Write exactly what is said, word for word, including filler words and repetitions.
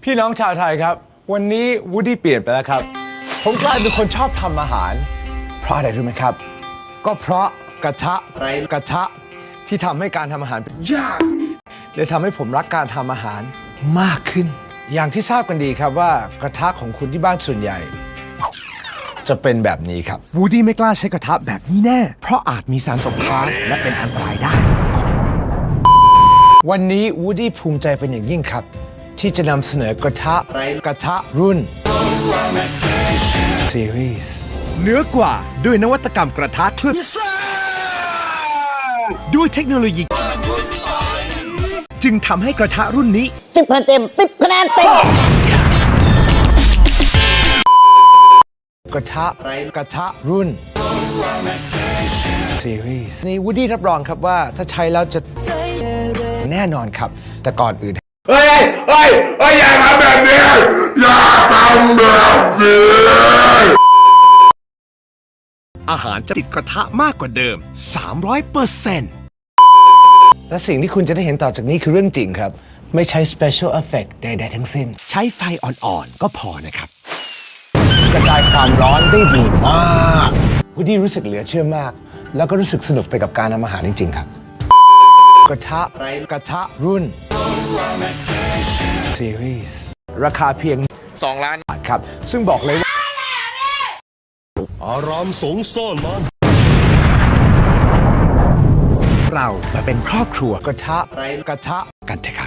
พี่น้องชาวไทยครับวันนี้วูดดี้เปลี่ยนไปแล้วครับผมกลายเป็นคนชอบทำอาหารเพราะอะไรรู้ไหมครับก็เพราะกระทะกระทะที่ทำให้การทำอาหารเป็นยากเลยทำให้ผมรักการทำอาหารมากขึ้นอย่างที่ทราบกันดีครับว่ากระทะของคุณที่บ้านส่วนใหญ่จะเป็นแบบนี้ครับวูดดี้ไม่กล้าใช้กระทะแบบนี้แน่เพราะอาจมีสารตกค้างและเป็นอันตรายได้วันนี้วูดดี้ภูมิใจเป็นอย่างยิ่งครับที่จะนำเสนอกระทะกระทะรุ่น Series เหนือกว่าด้วยนวัตกรรมกระทะเคลือบด้วยเทคโนโลยีจึงทำให้กระทะรุ่นนี้สิบคะแนนเต็มสิบคะแนนเต็มกระทะกระทะรุ่น Series นี่วูดดี้รับรองครับว่าถ้าใช้แล้วจะแน่นอนครับแต่ก่อนอื่นเฮ้ยเฮ้ยเฮ้ยอย่าทำแบบนี้อย่าทำแบบนี้อาหารจะติดกระทะมากกว่าเดิม สามร้อยเปอร์เซ็นต์ และสิ่งที่คุณจะได้เห็นต่อจากนี้คือเรื่องจริงครับไม่ใช้ special effect ใดๆทั้งสิ้นใช้ไฟอ่อนๆก็พอนะครับกระจายความร้อนได้ดีมากวูดดี้รู้สึกเหลือเชื่อมากแล้วก็รู้สึกสนุกไปกับการทำอาหารจริงๆครับกระทะกระทะรุ่น Series ราคาเพียงสองล้านบาทครับซึ่งบอกเลยว่าอารามสงซ่อนมันเรามาเป็นครอบครัวกระทะกระทะกันเถอะครับ